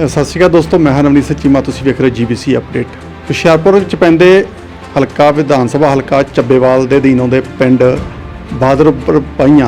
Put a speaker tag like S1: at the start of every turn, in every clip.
S1: ਸਤਿ ਸ਼੍ਰੀ ਅਕਾਲ ਦੋਸਤੋ, ਮੈਂ ਹਾਂ ਨਵਨੀਤ ਚੀਮਾ। ਤੁਸੀਂ ਵੇਖ ਰਹੇ GBC ਅਪਡੇਟ। ਹੁਸ਼ਿਆਰਪੁਰ ਵਿੱਚ ਪੈਂਦੇ ਹਲਕਾ ਵਿਧਾਨ ਸਭਾ ਹਲਕਾ ਚੱਬੇਵਾਲ ਦੇ ਅਧੀਨ ਆਉਂਦੇ ਪਿੰਡ ਬਹਾਦਰਪੁਰ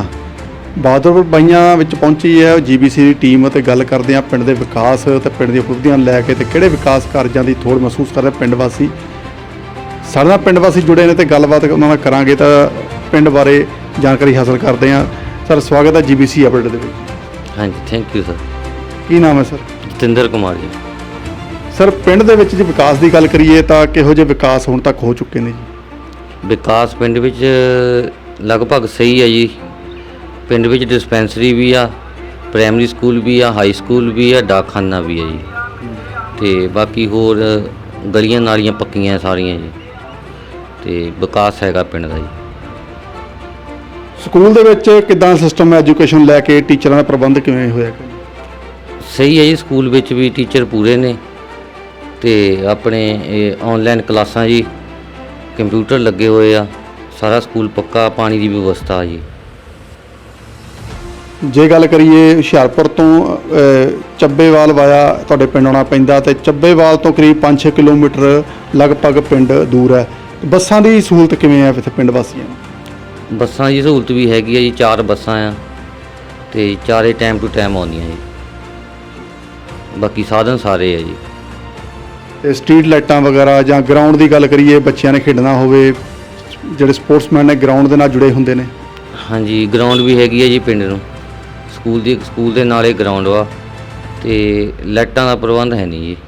S1: ਬਾਈਆਂ ਵਿੱਚ ਪਹੁੰਚੀ ਹੈ GBC ਦੀ ਟੀਮ ਅਤੇ ਗੱਲ ਕਰਦੇ ਹਾਂ ਪਿੰਡ ਦੇ ਵਿਕਾਸ ਅਤੇ ਪਿੰਡ ਦੀਆਂ ਉਪਲਬਧੀਆਂ ਲੈ ਕੇ ਤੇ ਕਿਹੜੇ ਵਿਕਾਸ ਕਾਰਜਾਂ ਦੀ ਥੋੜ੍ਹ ਮਹਿਸੂਸ ਕਰ ਰਹੇ ਪਿੰਡ ਵਾਸੀ। ਸਾਡੇ ਨਾਲ ਪਿੰਡ ਵਾਸੀ ਜੁੜੇ ਨੇ ਤੇ ਗੱਲਬਾਤ ਉਹਨਾਂ ਨਾਲ ਕਰਾਂਗੇ ਤਾਂ ਪਿੰਡ ਬਾਰੇ ਜਾਣਕਾਰੀ ਹਾਸਲ ਕਰਦੇ ਹਾਂ। ਸਰ, ਸਵਾਗਤ ਹੈ GBC ਅਪਡੇਟ ਦੇ ਵਿੱਚ।
S2: ਹਾਂਜੀ, ਥੈਂਕ ਯੂ ਸਰ।
S1: ਕੀ ਨਾਮ ਹੈ ਸਰ?
S2: ਜਤਿੰਦਰ ਕੁਮਾਰ ਜੀ।
S1: ਸਰ, ਪਿੰਡ ਦੇ ਵਿੱਚ ਜੇ ਵਿਕਾਸ ਦੀ ਗੱਲ ਕਰੀਏ ਤਾਂ ਕਿਹੋ ਜਿਹੇ ਵਿਕਾਸ ਹੁਣ ਤੱਕ ਹੋ ਚੁੱਕੇ ਨੇ ਜੀ?
S2: ਵਿਕਾਸ ਪਿੰਡ ਵਿੱਚ ਲਗਭਗ ਸਹੀ ਹੈ ਜੀ। ਪਿੰਡ ਵਿੱਚ ਡਿਸਪੈਂਸਰੀ ਵੀ ਆ, ਪ੍ਰਾਇਮਰੀ ਸਕੂਲ ਵੀ ਆ, ਹਾਈ ਸਕੂਲ ਵੀ ਆ, ਡਾਕਖਾਨਾ ਵੀ ਹੈ ਜੀ। ਅਤੇ ਬਾਕੀ ਹੋਰ ਗਲੀਆਂ ਨਾਲੀਆਂ ਪੱਕੀਆਂ ਸਾਰੀਆਂ ਜੀ, ਅਤੇ ਵਿਕਾਸ ਹੈਗਾ ਪਿੰਡ ਦਾ ਜੀ।
S1: ਸਕੂਲ ਦੇ ਵਿੱਚ ਕਿੱਦਾਂ ਸਿਸਟਮ ਹੈ ਐਜੂਕੇਸ਼ਨ ਲੈ ਕੇ, ਟੀਚਰਾਂ ਦਾ ਪ੍ਰਬੰਧ ਕਿਵੇਂ ਹੋਇਆ?
S2: ਸਹੀ ਹੈ ਜੀ, ਸਕੂਲ ਵਿੱਚ ਵੀ ਟੀਚਰ ਪੂਰੇ ਨੇ ਅਤੇ ਆਪਣੇ ਔਨਲਾਈਨ ਕਲਾਸਾਂ ਜੀ, ਕੰਪਿਊਟਰ ਲੱਗੇ ਹੋਏ ਆ, ਸਾਰਾ ਸਕੂਲ ਪੱਕਾ, ਪਾਣੀ ਦੀ ਵਿਵਸਥਾ ਜੀ।
S1: ਜੇ ਗੱਲ ਕਰੀਏ ਹੁਸ਼ਿਆਰਪੁਰ ਤੋਂ ਚੱਬੇਵਾਲ ਵਾਇਆ ਤੁਹਾਡੇ ਪਿੰਡ ਆਉਣਾ ਪੈਂਦਾ ਅਤੇ ਚੱਬੇਵਾਲ ਤੋਂ ਕਰੀਬ 5-6 ਕਿਲੋਮੀਟਰ ਲਗਭਗ ਪਿੰਡ ਦੂਰ ਹੈ। ਬੱਸਾਂ ਦੀ ਸਹੂਲਤ ਕਿਵੇਂ ਹੈ ਇੱਥੇ ਪਿੰਡ ਵਾਸੀਆਂ ਨੂੰ?
S2: ਬੱਸਾਂ ਦੀ ਸਹੂਲਤ ਵੀ ਹੈਗੀ ਹੈ ਜੀ, 4 ਬੱਸਾਂ ਆ ਅਤੇ ਚਾਰੇ ਟਾਈਮ ਟੂ ਟਾਈਮ ਆਉਂਦੀਆਂ ਜੀ। ਬਾਕੀ ਸਾਧਨ ਸਾਰੇ ਆ ਜੀ।
S1: ਅਤੇ ਸਟਰੀਟ ਲਾਈਟਾਂ ਵਗੈਰਾ ਜਾਂ ਗਰਾਊਂਡ ਦੀ ਗੱਲ ਕਰੀਏ, ਬੱਚਿਆਂ ਨੇ ਖੇਡਣਾ ਹੋਵੇ, ਜਿਹੜੇ ਸਪੋਰਟਸਮੈਨ ਨੇ ਗਰਾਊਂਡ ਦੇ ਨਾਲ ਜੁੜੇ ਹੁੰਦੇ ਨੇ?
S2: ਹਾਂਜੀ, ਗਰਾਊਂਡ ਵੀ ਹੈਗੀ ਹੈ ਜੀ ਪਿੰਡ ਨੂੰ। ਸਕੂਲ ਦੇ ਨਾਲੇ ਗਰਾਊਂਡ ਵਾ ਅਤੇ ਲਾਈਟਾਂ ਦਾ ਪ੍ਰਬੰਧ ਹੈ ਨਹੀਂ ਜੀ।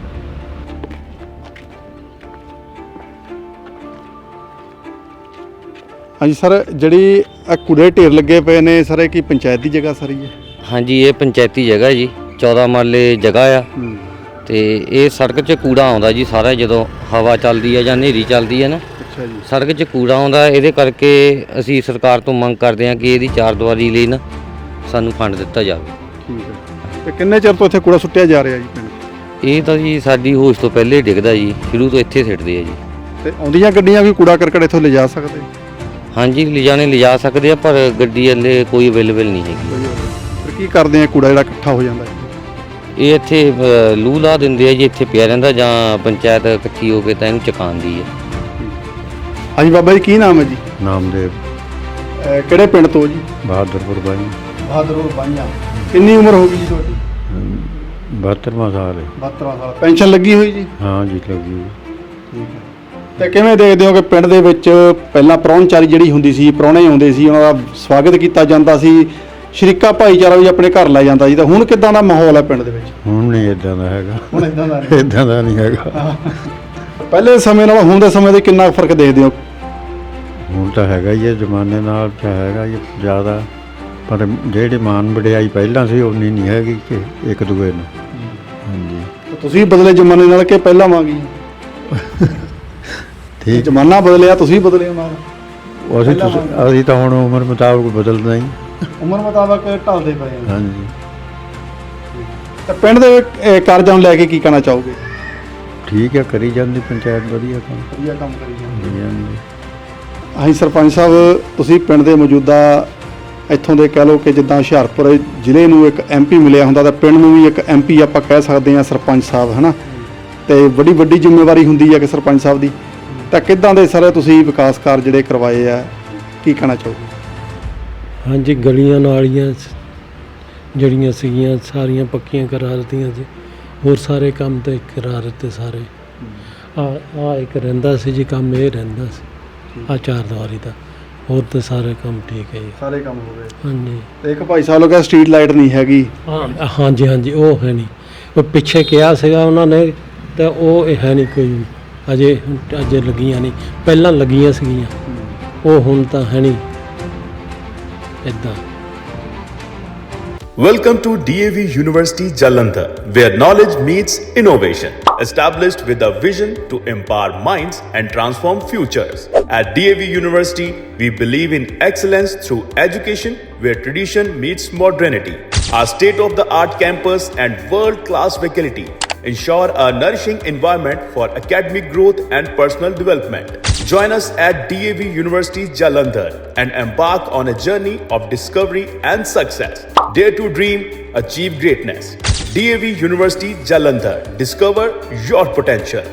S1: ਹਾਂਜੀ ਸਰ, ਜਿਹੜੀ ਇਹ ਕੂੜੇ ਢੇਰ ਲੱਗੇ ਪਏ ਨੇ ਸਰ, ਇਹ ਕੀ ਪੰਚਾਇਤ ਦੀ ਜਗ੍ਹਾ ਸਾਰੀ ਹੈ?
S2: ਹਾਂਜੀ, ਇਹ ਪੰਚਾਇਤੀ ਜਗ੍ਹਾ ਜੀ, 14 ਮਰਲੇ ਜਗ੍ਹਾ ਆ ਅਤੇ ਇਹ ਸੜਕ 'ਚ ਕੂੜਾ ਆਉਂਦਾ ਜੀ ਸਾਰਾ। ਜਦੋਂ ਹਵਾ ਚੱਲਦੀ ਹੈ ਜਾਂ ਹਨੇਰੀ ਚੱਲਦੀ ਹੈ ਨਾ,
S1: ਅੱਛਾ ਜੀ,
S2: ਸੜਕ 'ਚ ਕੂੜਾ ਆਉਂਦਾ। ਇਹਦੇ ਕਰਕੇ ਅਸੀਂ ਸਰਕਾਰ ਤੋਂ ਮੰਗ ਕਰਦੇ ਹਾਂ ਕਿ ਇਹਦੀ ਚਾਰਦੀਵਾਰੀ ਲਈ ਨਾ ਸਾਨੂੰ ਫੰਡ ਦਿੱਤਾ ਜਾਵੇ।
S1: ਠੀਕ ਹੈ। ਅਤੇ ਕਿੰਨੇ ਚਿਰ ਤੋਂ ਇੱਥੇ ਕੂੜਾ ਸੁੱਟਿਆ ਜਾ ਰਿਹਾ ਜੀ ਪਿੰਡ?
S2: ਇਹ ਤਾਂ ਜੀ ਸਾਡੀ ਹੋਸ਼ ਤੋਂ ਪਹਿਲੇ ਡਿੱਗਦਾ ਜੀ, ਸ਼ੁਰੂ ਤੋਂ ਇੱਥੇ ਸਿੱਟਦੇ ਆ ਜੀ।
S1: ਅਤੇ ਆਉਂਦੀਆਂ ਗੱਡੀਆਂ ਵੀ ਕੂੜਾ ਕਰਕਟ ਇੱਥੋਂ ਲਿਜਾ ਸਕਦੇ?
S2: ਹਾਂਜੀ, ਲਿਜਾ ਸਕਦੇ ਆ, ਪਰ ਗੱਡੀ ਹਲੇ ਕੋਈ ਅਵੇਲੇਬਲ ਨਹੀਂ ਹੈਗੀ।
S1: ਫਿਰ ਕੀ ਕਰਦੇ ਆ ਕੂੜਾ ਜਿਹੜਾ ਇਕੱਠਾ ਹੋ ਜਾਂਦਾ? ਇਹ
S2: ਇੱਥੇ ਲੂਹ ਲਾ ਦਿੰਦੇ ਆ ਜੀ, ਇੱਥੇ ਪਿਆ ਰਹਿੰਦਾ, ਜਾਂ ਪੰਚਾਇਤ ਇਕੱਠੀ ਹੋ ਕੇ ਤਾਂ ਇਹਨੂੰ ਚੁਕਾਉਂਦੀ ਹੈ।
S1: ਹਾਂਜੀ ਬਾਬਾ ਜੀ, ਕੀ ਨਾਮ ਹੈ ਜੀ?
S3: ਨਾਮਦੇਵ।
S1: ਕਿਹੜੇ ਪਿੰਡ ਤੋਂ ਜੀ?
S3: ਬਹਾਦਰਪੁਰ ਬਾਈ।
S1: ਬਹਾਦਰਪੁਰ ਬਾਈਆਂ। ਕਿੰਨੀ ਉਮਰ ਹੋ ਗਈ ਜੀ ਤੁਹਾਡੀ?
S3: 72ਵਾਂ ਸਾਲ ਹੈ।
S1: 72ਵਾਂ ਸਾਲ। ਪੈਨਸ਼ਨ ਲੱਗੀ ਹੋਈ ਜੀ?
S3: ਹਾਂ ਜੀ, ਲੱਗੀ ਹੋਈ।
S1: ਠੀਕ ਹੈ। ਅਤੇ ਕਿਵੇਂ ਦੇਖਦੇ ਹੋ ਕਿ ਪਿੰਡ ਦੇ ਵਿੱਚ ਪਹਿਲਾਂ ਪ੍ਰਾਹੁਣਚਾਰੀ ਜਿਹੜੀ ਹੁੰਦੀ ਸੀ, ਪ੍ਰਾਹੁਣੇ ਆਉਂਦੇ ਸੀ, ਉਹਨਾਂ ਦਾ ਸਵਾਗਤ ਕੀਤਾ ਜਾਂਦਾ ਸੀ, ਸ਼ਰੀਕਾ ਭਾਈਚਾਰਾ ਵੀ ਆਪਣੇ ਘਰ ਲੈ ਜਾਂਦਾ ਸੀ, ਤਾਂ ਹੁਣ ਕਿੱਦਾਂ ਦਾ ਮਾਹੌਲ ਹੈ ਪਿੰਡ ਦੇ ਵਿੱਚ?
S3: ਹੁਣ ਨਹੀਂ ਇਦਾਂ ਦਾ ਹੈਗਾ।
S1: ਹੁਣ ਇਦਾਂ ਦਾ ਨਹੀਂ?
S3: ਇਦਾਂ ਦਾ ਨਹੀਂ ਹੈਗਾ।
S1: ਪਹਿਲੇ ਸਮੇਂ ਨਾਲ ਹੁਣ ਦੇ ਸਮੇਂ ਦੇ ਕਿੰਨਾ ਫਰਕ ਦੇਖਦੇ ਹੋ?
S3: ਹੁਣ ਤਾਂ ਹੈਗਾ ਹੀ ਹੈ, ਜ਼ਮਾਨੇ ਨਾਲ ਤਾਂ ਹੈਗਾ ਹੀ ਜ਼ਿਆਦਾ, ਪਰ ਜਿਹੜੀ ਮਾਨ ਵਡਿਆਈ ਪਹਿਲਾਂ ਸੀ ਉਨੀ ਨਹੀਂ ਹੈਗੀ ਕਿ ਇੱਕ ਦੂਏ ਨੂੰ। ਹਾਂਜੀ।
S1: ਤੁਸੀਂ ਬਦਲੇ ਜ਼ਮਾਨੇ ਨਾਲ ਕਿ ਪਹਿਲਾਂ ਵਾਂਗੀ?
S3: ਠੀਕ।
S1: ਜ਼ਮਾਨਾ ਬਦਲਿਆ, ਤੁਸੀਂ ਬਦਲੇ ਨਾਲ?
S3: ਅਸੀਂ ਤਾਂ ਹੁਣ ਉਮਰ ਮੁਤਾਬਕ ਬਦਲਦਾ ਹੀ।
S1: ਉਮਰ ਮੁਤਾਬਕ ਢਲਦੇ ਪਏ ਹਾਂ।
S3: ਹਾਂਜੀ।
S1: ਤਾਂ ਪਿੰਡ ਦੇ ਕਾਰਜਾਂ ਨੂੰ ਲੈ ਕੇ ਕੀ ਕਹਿਣਾ ਚਾਹੋਗੇ?
S3: ਠੀਕ ਹੈ, ਕਰੀ ਜਾਂਦੀ ਪੰਚਾਇਤ ਵਧੀਆ ਕੰਮ।
S1: ਵਧੀਆ ਕੰਮ ਕਰੀ
S3: ਜਾਂਦੀ।
S1: ਹਾਂਜੀ ਸਰਪੰਚ ਸਾਹਿਬ, ਤੁਸੀਂ ਪਿੰਡ ਦੇ ਮੌਜੂਦਾ ਇੱਥੋਂ ਦੇ ਕਹਿ ਲਓ ਕਿ ਜਿੱਦਾਂ ਹੁਸ਼ਿਆਰਪੁਰ ਜ਼ਿਲ੍ਹੇ ਨੂੰ ਇੱਕ MP ਮਿਲਿਆ ਹੁੰਦਾ ਤਾਂ ਪਿੰਡ ਨੂੰ ਵੀ ਇੱਕ MP ਆਪਾਂ ਕਹਿ ਸਕਦੇ ਹਾਂ, ਸਰਪੰਚ ਸਾਹਿਬ, ਹੈ ਨਾ? ਅਤੇ ਵੱਡੀ ਜ਼ਿੰਮੇਵਾਰੀ ਹੁੰਦੀ ਹੈ ਕਿ ਸਰਪੰਚ ਸਾਹਿਬ ਦੀ। ਤਾਂ ਕਿੱਦਾਂ ਦੇ ਸਾਰੇ ਤੁਸੀਂ ਵਿਕਾਸ ਕਾਰਜ ਜਿਹੜੇ ਕਰਵਾਏ ਆ, ਕੀ ਕਹਿਣਾ ਚਾਹੋਗੇ? ਹਾਂਜੀ,
S4: ਗਲੀਆਂ ਨਾਲੀਆਂ ਜਿਹੜੀਆਂ ਸੀਗੀਆਂ ਸਾਰੀਆਂ ਪੱਕੀਆਂ ਕਰਾ ਦਿੱਤੀਆਂ ਜੀ। ਹੋਰ ਸਾਰੇ ਕੰਮ ਤਾਂ ਕਰਾ ਦਿੱਤੇ ਸਾਰੇ। ਆ ਇੱਕ ਰਹਿੰਦਾ ਸੀ ਜੀ ਕੰਮ, ਇਹ ਰਹਿੰਦਾ ਸੀ ਆ ਚਾਰਦੀਵਾਰੀ ਦਾ। ਹੋਰ ਤਾਂ ਸਾਰੇ ਕੰਮ ਠੀਕ ਹੈ ਜੀ, ਸਾਰੇ ਕੰਮ ਹੋ ਗਏ। ਹਾਂਜੀ। ਅਤੇ ਇੱਕ ਭਾਈ ਸਾਹਿਬ ਲੋਕਾਂ ਸਟਰੀਟ ਲਾਈਟ ਨਹੀਂ ਹੈਗੀ? ਹਾਂਜੀ, ਉਹ ਹੈ ਨਹੀਂ। ਉਹ ਪਿੱਛੇ ਕਿਹਾ ਸੀਗਾ ਉਹਨਾਂ ਨੇ, ਤਾਂ ਉਹ ਇਹ ਹੈ ਨਹੀਂ ਕੋਈ ਅਜੇ ਲੱਗੀਆਂ ਨਹੀਂ। ਪਹਿਲਾਂ ਲੱਗੀਆਂ ਸੀਗੀਆਂ, ਉਹ ਹੁਣ ਤਾਂ ਹੈ ਨਹੀਂ ਇੱਦਾਂ।
S5: Welcome to DAV University Jalandhar, where knowledge meets innovation. Established with a vision to empower minds and transform futures. At DAV University, we believe in excellence through education where tradition meets modernity. Our state-of-the-art campus and world-class faculty ensure a nourishing environment for academic growth and personal development. Join us at DAV University Jalandhar and embark on a journey of discovery and success. Dare to dream, achieve greatness. DAV University Jalandhar. Discover your potential.